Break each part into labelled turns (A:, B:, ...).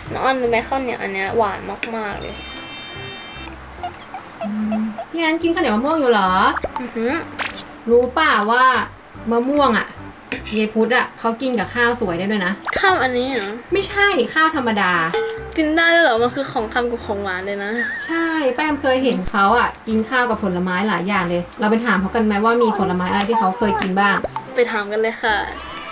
A: น้องอันรู้ไหมข้าวเหนียวอันเนี้ยหวานมากๆเลย
B: พี่อันกินข้าวเหนียวมะม่วงอยู่เหรอ
A: อือหือ
B: รู้ป่าว่ามะม่วงอ่ะยายพุทธอ่ะเขากินกับข้าวสวยได้ด้วยนะ
A: ข้าวอันนี้เหรอ
B: ไม่ใช่ข้าวธรรมดา
A: กินได้ด้วยเหรอมันคือของคำกับของหวานเลยนะ
B: ใช่แป้มเคยเห็นเขาอ่ะกินข้าวกับผลไม้หลายอย่างเลย เราไปถามเขากันไหมว่ามีผลไม้อะไรที่เขาเคยกินบ้าง
A: ไปถามกันเลยค่ะ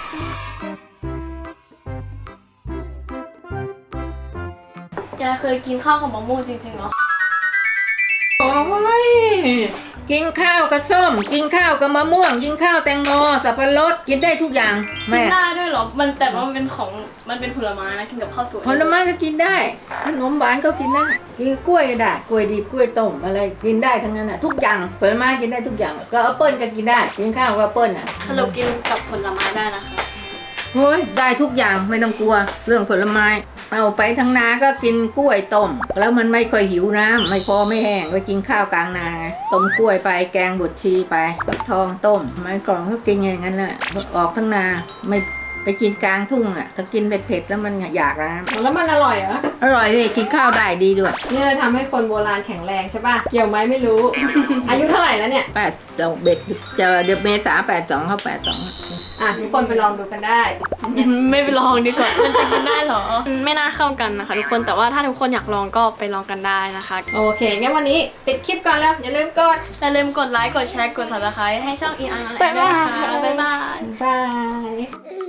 A: ยายเคยกินข้าวกับมะม่วงจริงๆเหรอ
C: โอ้ยกินข้าวกับส้ม กินข้าวกับมะม่วง กินข้าวแตงโมสับปะรดกินได้ทุกอย่าง
A: กิ
C: แม่
A: นได้ด้วยเหรอมันแต่ว่ามันเป็นของมันเป็นผลไม้นะกินกับข้าวสวย
C: ผลไม้ก็กินได้ ขนมหวานก็กินได้กินกล้วยก็ได้กล้วยดิบกล้วยต้มอะไรกินได้ทั้งนั้นน่ะทุกอย่างผลไม้กินได้ทุกอย่างก็แอปเปิ้ลก็กินได้กินข้าวกับแอปเปิ้ลน่ะ
A: สรุปกินกับผลไม้ได้นะคะ
C: โอ้ยได้ทุกอย่างไม่ต้องกลัวเรื่องผลไม้เอาไปทางนาก็กินกล้วยต้มแล้วมันไม่ค่อยหิวน้ำไม่พอไม่แห้งไปกินข้าวกลางนาไงต้มกล้วยไปแกงบดชีไปฟักทองต้มไม้ก่อนก็กินอย่างนั้นแหละออกทั้งนาไม่ไปกินกลางทุ่งอ่ะถ้ากินเผ็ดๆแล้วมันอยากน้
B: แล้วมันอร่อยเหรอ
C: ำอร่อยเลยกินข้าวได้ดีด้วย
B: นี่เลยทำให้คนโบราณแข็งแรงใช่ป่ะ เกี่ยวไหมไม่รู้ อายุเท่าไหร่แล้วเนี่ย
C: 82เบ็ดจะเดือนเมษา82เข้า82
B: อ่ะทุกคนไปลองดูกันได้
A: ไม่ไปลองดีกว่า มันจะกินได้เหรอ ไม่น่าเข้ากันนะคะทุกคน แต่ว่าถ้าทุกคนอยากลองก็ไปลองกันได้นะคะ
B: โอเค งั้นวันนี้ปิดคลิปก่อนแล้ว อย่าลืมกด
A: อย่าลืมกดไลค์ กดแชร์ กด subscribe ให้ช่อง ER นั่นแหละด้วยนะคะ บ๊ายบาย
B: บาย